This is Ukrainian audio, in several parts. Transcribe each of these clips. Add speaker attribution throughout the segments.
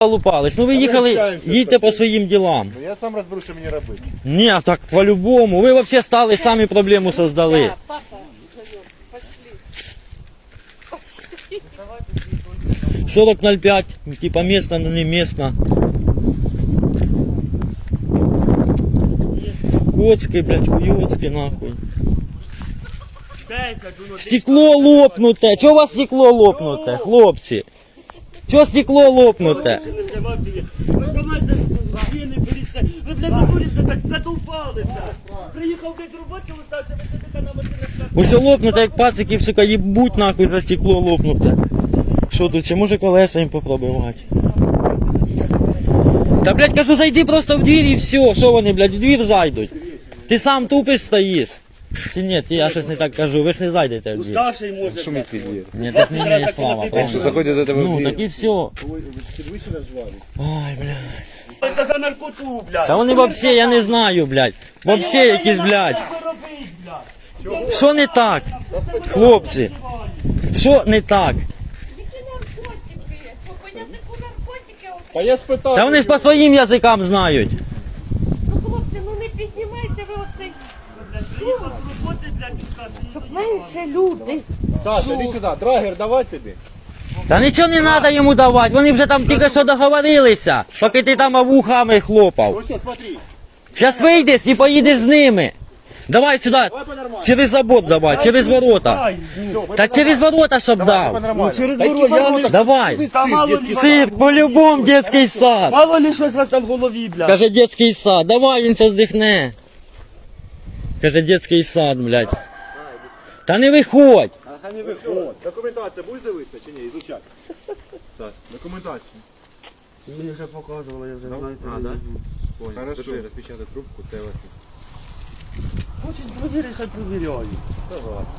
Speaker 1: лупались. Ну ви їхали, їдьте по своїм ділам.
Speaker 2: Ну я сам розберу, що мені робити.
Speaker 1: Ні, так по-любому. Ви взагалі стали, самі проблему создали.
Speaker 3: Да, папа зовет. Пошли.
Speaker 1: 40.05, типа местно, но не местно. Коцкий, блядь, хуёцкий, нахуй. Стекло лопнуте. Чого у вас стекло лопнуте, хлопці? Чого стекло лопнуте?
Speaker 4: Ви, блядь, на вулиці так задовбалися. Приїхав десь роботи, летався, ви сидите на машинах.
Speaker 1: Усе лопнуте, як пациків, сука, їбуть нахуй за стекло лопнуте. Що тут, чи може колеса їм попробувати? Та, блядь, кажу, зайди просто в двір і все. Що вони, блядь, в двір зайдуть? Ти сам тупиш стоїш. Чи ні, я щось не так кажу, ви ж не зайдете в двір.
Speaker 4: Старший може.
Speaker 2: Шумить під двір.
Speaker 1: Ні, так не маєш права,
Speaker 2: Якщо
Speaker 1: правильно?
Speaker 2: заходять до тебе в
Speaker 1: Ну,
Speaker 2: двір.
Speaker 1: так і все.
Speaker 2: Підвищена жваві.
Speaker 1: Ой, блядь.
Speaker 4: Це за наркоту, блядь.
Speaker 1: Та вони вообще, я не знаю, блядь. Вообще якісь, блядь.
Speaker 4: Що робить, блядь?
Speaker 1: Що не так? Хлопці, що не так?
Speaker 3: Які наркотики? Що, по язику наркотики?
Speaker 2: А я спитав.
Speaker 1: Та вони ж по своїм язикам знають.
Speaker 3: Ну, хлопці, ну не піднімайте ви оцей.
Speaker 4: Приїхав з роботи, блядь, і каже,
Speaker 3: Щоб менше люди.
Speaker 2: Саша, іди сюди, драгер давай тобі.
Speaker 1: Та нічого не треба йому давати, вони вже там тільки що договорилися, поки ти там вухами хлопав.
Speaker 2: Ось, ось, смотри.
Speaker 1: Зараз вийдеш і поїдеш з ними. Давай сюди,
Speaker 2: Давай по-нормальному.
Speaker 1: через забор давай, через ворота.
Speaker 4: ай,
Speaker 2: Все, ми
Speaker 1: Та через ворота, щоб
Speaker 2: Давай,
Speaker 1: дав.
Speaker 2: по-нормальному.
Speaker 4: через
Speaker 2: Та які
Speaker 4: ворота, я
Speaker 2: ворота?
Speaker 4: не-
Speaker 1: Давай.
Speaker 2: Ти
Speaker 4: Та
Speaker 2: цирк,
Speaker 4: мало
Speaker 2: дитячий
Speaker 4: ли.
Speaker 2: сад.
Speaker 1: Цирк, по-любому детський сад.
Speaker 4: мало ли щось у вас там в голові, блядь.
Speaker 1: Каже, детський сад, давай, він це здихне. Каже, детський сад, блядь. Та не виходь.
Speaker 2: Ага, не виходь. Документація будеш дивитися чи ні? Ізучати. Саш, документацію.
Speaker 4: Мені вже показували, я вже знаю.
Speaker 2: Хорошо.
Speaker 5: Держи, розпечатай трубку, це власність.
Speaker 4: Хочуть провірити, хай провіряють.
Speaker 2: Согласен.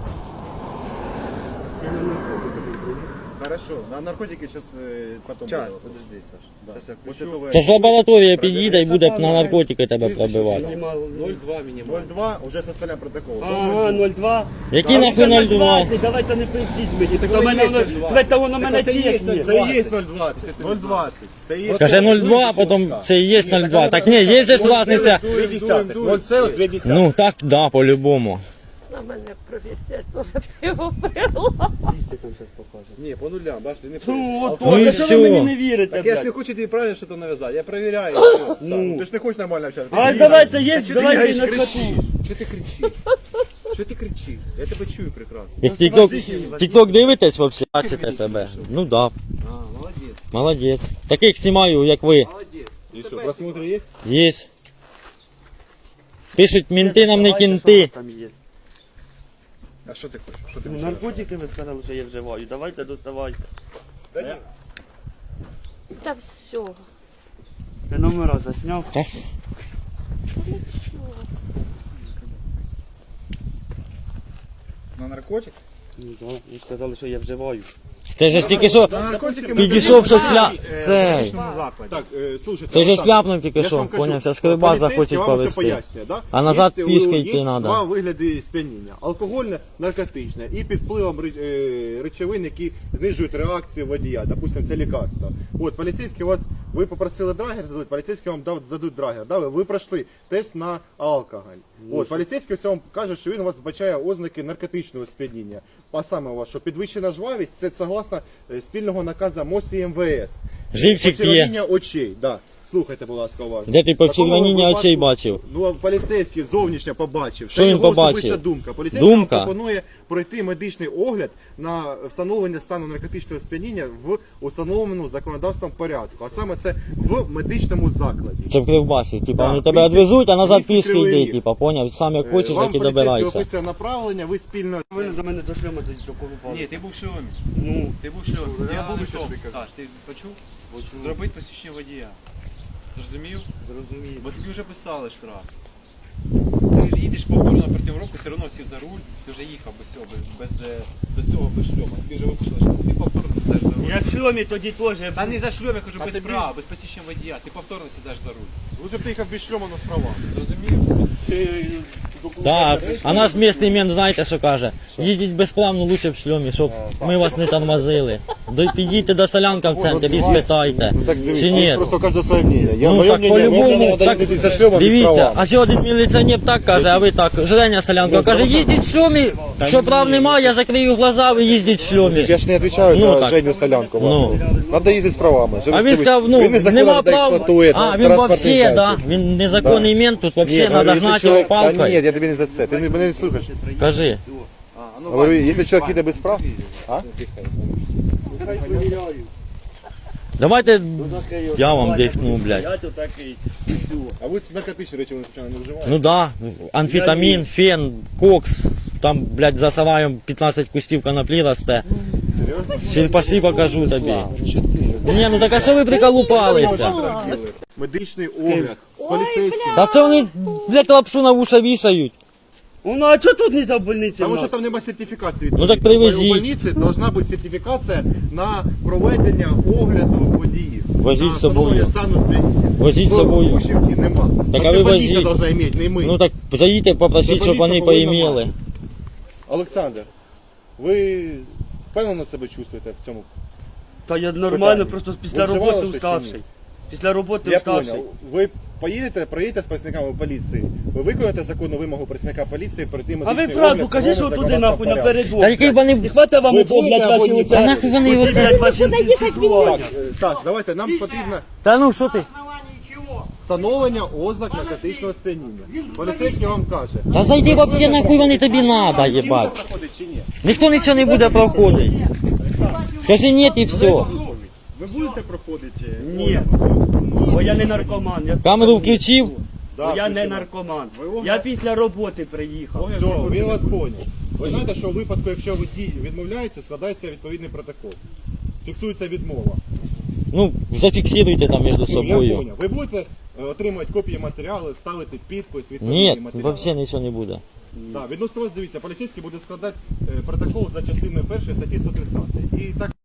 Speaker 4: Я не наркотики.
Speaker 2: Хорошо. На наркотики зараз потім.
Speaker 5: Час,
Speaker 2: буде.
Speaker 5: подожди, Саш.
Speaker 2: Да.
Speaker 5: Зараз я
Speaker 2: После
Speaker 5: включу.
Speaker 2: того,
Speaker 1: Це ж лабораторія під'їде і буде на наркотики тебе пробивати.
Speaker 5: 0,2 мінімально.
Speaker 2: 0,2 вже составляємо протокол.
Speaker 4: Ага, 0,2.
Speaker 1: Які нахуй 0,2?
Speaker 4: Давайте не пиздіть мені. Так
Speaker 2: воно
Speaker 4: у мене
Speaker 2: є
Speaker 4: 0,2.
Speaker 2: 0,2.
Speaker 4: Давайте воно мене
Speaker 2: Це є
Speaker 4: тісне.
Speaker 2: 0,20. 0,20. Це є.
Speaker 1: Каже 0,2, потім це і є 0,2. Так ні, є же ж разниця.
Speaker 2: 0,2.
Speaker 1: Ну так, да, по-любому.
Speaker 3: На мене провірять, може пиво пила.
Speaker 5: Ні, по нулям, бачите, не
Speaker 4: Ну, от,
Speaker 1: Ну і
Speaker 4: от, що ви
Speaker 1: всьо.
Speaker 4: мені не вірите,
Speaker 5: Так я ж не
Speaker 4: блядь.
Speaker 5: хочу тобі правильно що то нав'язати, я перевіряю.
Speaker 4: Ну.
Speaker 2: Ти ж не хочеш нормально общатися.
Speaker 4: А давайте є, давайте на коту.
Speaker 5: Що ти кричиш? Що ти кричиш? Я тебе чую прекрасно.
Speaker 1: Як тік-ток дивитесь взагалі? Бачите себе? Ну да,
Speaker 5: А, молодець.
Speaker 1: молодець. Таких знімаю, як ви.
Speaker 5: Молодець.
Speaker 2: І що, просмотри є?
Speaker 1: Є. Пишуть, мінти нам не кінти.
Speaker 4: Там є.
Speaker 2: А що ти хочеш? Що ти
Speaker 4: Ну,
Speaker 2: хочеш?
Speaker 4: наркотики ви сказали, що я вживаю. Давайте доставайте.
Speaker 2: Та ні.
Speaker 3: Та все.
Speaker 4: Ти номера засняв.
Speaker 1: Та
Speaker 2: На наркотик?
Speaker 4: Ну, так, ви сказали, що я вживаю.
Speaker 1: Це же ж тільки що
Speaker 2: На наркотики
Speaker 1: підійшов, що цей.
Speaker 2: Так, слушайте.
Speaker 1: Це же
Speaker 2: Олександр,
Speaker 1: ляпнув тільки
Speaker 2: я ж
Speaker 1: що,
Speaker 2: вам кажу,
Speaker 1: понявся, скрибас
Speaker 2: поліцейський
Speaker 1: захочуть
Speaker 2: вам все
Speaker 1: повезти.
Speaker 2: пояснює, да?
Speaker 1: А назад
Speaker 2: Є,
Speaker 1: пішки
Speaker 2: є
Speaker 1: йти надо.
Speaker 2: два вигляди сп'яніння. Алкогольне, наркотичне і під впливом речовин, які знижують реакцію водія. Допустим, це лікарство. От, поліцейський вас, ви попросили драгер задати, поліцейський вам задуть драгер. Да? Ви пройшли тест на алкоголь. От, поліцейський все вам каже, що він у вас вбачає ознаки наркотичного сп'яніння. А саме у вас, що підвищена жвавість, це согласно спільного наказу МОЗ і МВС.
Speaker 1: Живчик п'є.
Speaker 2: Почервоніння очей, да. Слухайте, будь ласка, уважно.
Speaker 1: Де ти
Speaker 2: Такого
Speaker 1: почервоніння
Speaker 2: випадку-
Speaker 1: очей бачив?
Speaker 2: Ну, а поліцейський зовнішньо побачив.
Speaker 1: Що він
Speaker 2: його
Speaker 1: побачив?
Speaker 2: особиста думка. Поліцейський
Speaker 1: Думка?
Speaker 2: вам пропонує пройти медичний огляд на встановлення стану наркотичного сп'яніння в установленому законодавством порядку. А саме це в медичному закладі.
Speaker 1: Це в Кривбасі, типа
Speaker 2: Да,
Speaker 1: вони тебе
Speaker 2: місті-
Speaker 1: відвезуть, а назад
Speaker 2: місті
Speaker 1: пішки
Speaker 2: Кривий
Speaker 1: йди,
Speaker 2: Ріг.
Speaker 1: типа, поняв? Сам як хочеш,
Speaker 2: Вам
Speaker 1: так і
Speaker 2: поліцейський
Speaker 1: добирайся.
Speaker 2: описує направлення, ви спільно...
Speaker 4: Ви до мене до шльома до колупали.
Speaker 5: Ні, ти був в шльомі.
Speaker 4: Ну,
Speaker 5: Ти був в шльомі. Я був
Speaker 2: ну,
Speaker 5: в
Speaker 2: що
Speaker 5: шльомі.
Speaker 2: ти кажеш?
Speaker 5: Саш, ти почув?
Speaker 4: почув.
Speaker 5: Зробити посвідчення водія. Зрозумів?
Speaker 4: Зрозумів.
Speaker 5: Бо тобі вже писали штраф. Ти ж їдеш повторно проти року, все одно сів за руль, ти вже їхав без цього, до цього без шльома. Тобі вже виписали штраф. Ти повторно сідаєш за руль.
Speaker 4: Я в шльомі тоді теж.
Speaker 5: Та не за шльом, я кажу,
Speaker 2: А
Speaker 5: без
Speaker 2: тобі-
Speaker 5: права, без посвідчення водія. Ти повторно сідаєш за руль.
Speaker 2: Лучше б ти їхав без шльома, но з правами.
Speaker 5: Зрозумів?
Speaker 1: Да, а наш місний мент, знаєте, що каже? Їдіть безплавно, лучше в шльомі, щоб ми вас не тормозили. Підійте до Солянка в центр і спитайте.
Speaker 2: Ну так
Speaker 1: Чи
Speaker 2: дивіться,
Speaker 1: ні?
Speaker 2: просто кожне своє мнение. Я
Speaker 1: Ну
Speaker 2: моє
Speaker 1: так
Speaker 2: мнение, мені
Speaker 1: по-любому,
Speaker 2: треба
Speaker 1: так,
Speaker 2: їздити за шльомом і з
Speaker 1: дивіться,
Speaker 2: правами.
Speaker 1: а ще один міліціонер так каже, а ви так, Женя Солянко каже, їздіть в шльомі, що прав немає, я закрию глаза, ви їздіть в шльомі.
Speaker 2: Я ж не відповідаю
Speaker 1: Ну,
Speaker 2: за
Speaker 1: так.
Speaker 2: Женю Солянку.
Speaker 1: Ну.
Speaker 2: Треба їздити з правами.
Speaker 1: А він сказав, ну,
Speaker 2: він незаконно
Speaker 1: нема
Speaker 2: де
Speaker 1: прав,
Speaker 2: експлуатує
Speaker 1: а, він
Speaker 2: транспортний
Speaker 1: вообще, да,
Speaker 2: засіб.
Speaker 1: він незаконний мент, тут вообще
Speaker 2: Ні,
Speaker 1: треба
Speaker 2: говорю, якщо
Speaker 1: гнати
Speaker 2: чоловік-
Speaker 1: його
Speaker 2: Та ні,
Speaker 1: палкою.
Speaker 2: я тобі не за це. Ти мене не слухаєш.
Speaker 1: Кажи.
Speaker 2: Говорю, якщо чоловік їде без прав, а?
Speaker 1: Давайте я вам дихну, блядь.
Speaker 4: Я тут такий.
Speaker 2: А ви наркотичні речі вони звичайно не вживаєте?
Speaker 1: Ну да, амфетамін, фен, кокс, там, блядь, за сараєм 15 кустів коноплі росте.
Speaker 2: Серйозно?
Speaker 1: Ще пошли покажу тобі. Ні, ну так а що ви приколупалися?
Speaker 2: Медичний огляд з поліцейським.
Speaker 1: Та це вони, блядь, лапшу на вуша вішають.
Speaker 4: Ну а чого тут не за больниці?
Speaker 2: Тому що
Speaker 4: нахуй?
Speaker 2: там немає сертифікації.
Speaker 1: Ну, так привезіть.
Speaker 2: У больниці повинна бути сертифікація на проведення огляду водіїв.
Speaker 1: Возіть
Speaker 2: На
Speaker 1: з собою.
Speaker 2: встановлення стану сп'яніння.
Speaker 1: Возіть з собою.
Speaker 2: В Гущівці нема.
Speaker 1: Так,
Speaker 2: А
Speaker 1: а
Speaker 2: це
Speaker 1: ви
Speaker 2: больниця
Speaker 1: возіть.
Speaker 2: повинна мати, не ми.
Speaker 1: Ну так заїдьте, попросіть, щоб вони поімели.
Speaker 2: Олександр, ви впевнено себе чувствуєте в цьому?
Speaker 4: Та я нормально,
Speaker 2: Питання.
Speaker 4: просто
Speaker 2: Ви
Speaker 4: після
Speaker 2: вживали
Speaker 4: роботи
Speaker 2: щось чи
Speaker 4: уставший.
Speaker 2: ні?
Speaker 4: Після роботи
Speaker 2: Я
Speaker 4: уставший.
Speaker 2: понял. Ви проїдете з працівниками поліції, ви виконаєте законну вимогу працівника поліції перейти
Speaker 4: А ви
Speaker 2: медичний
Speaker 4: правду,
Speaker 2: огляд,
Speaker 4: кажи, що
Speaker 2: встановлений
Speaker 4: туди нахуй
Speaker 2: законодавством
Speaker 4: напередок.
Speaker 1: Та який вони-
Speaker 4: Не хватає вам
Speaker 2: Ви
Speaker 4: ото, блядь,
Speaker 2: будете або
Speaker 4: ваші
Speaker 2: ні?
Speaker 4: оце-
Speaker 1: Та нахуй вони
Speaker 4: оці,
Speaker 1: оце-
Speaker 4: блядь, ваші
Speaker 2: Так,
Speaker 4: інтелектуальні.
Speaker 2: так, давайте, нам потрібно
Speaker 1: Та ну що ти?
Speaker 2: встановлення ознак наркотичного сп'яніння. Поліцейський вам каже.
Speaker 1: Та зайди вообще нахуй вони тобі надо, їбать.
Speaker 2: Проходить чи ні?
Speaker 1: Ніхто нічого не буде проходити. Скажи ні і все.
Speaker 2: Ви будете проходити?
Speaker 4: Ні. Бо я не наркоман. Я
Speaker 1: Камеру включив.
Speaker 2: Да,
Speaker 4: Бо я не
Speaker 2: включено.
Speaker 4: наркоман.
Speaker 2: Ви
Speaker 4: Я після роботи приїхав.
Speaker 2: Все, він вас поняв. Ви знаєте, що у випадку, якщо водій відмовляється, складається відповідний протокол. Фіксується відмова.
Speaker 1: Ну, зафіксируйте там між
Speaker 2: Я
Speaker 1: собою.
Speaker 2: поняв. Ви будете отримувати копії матеріалу, ставити підпис, відповідний
Speaker 1: Ні,
Speaker 2: матеріал.
Speaker 1: взагалі нічого не буде.
Speaker 2: Так, відносно вас дивіться, поліцейський буде складати протокол за частиною 1 статті 130. І так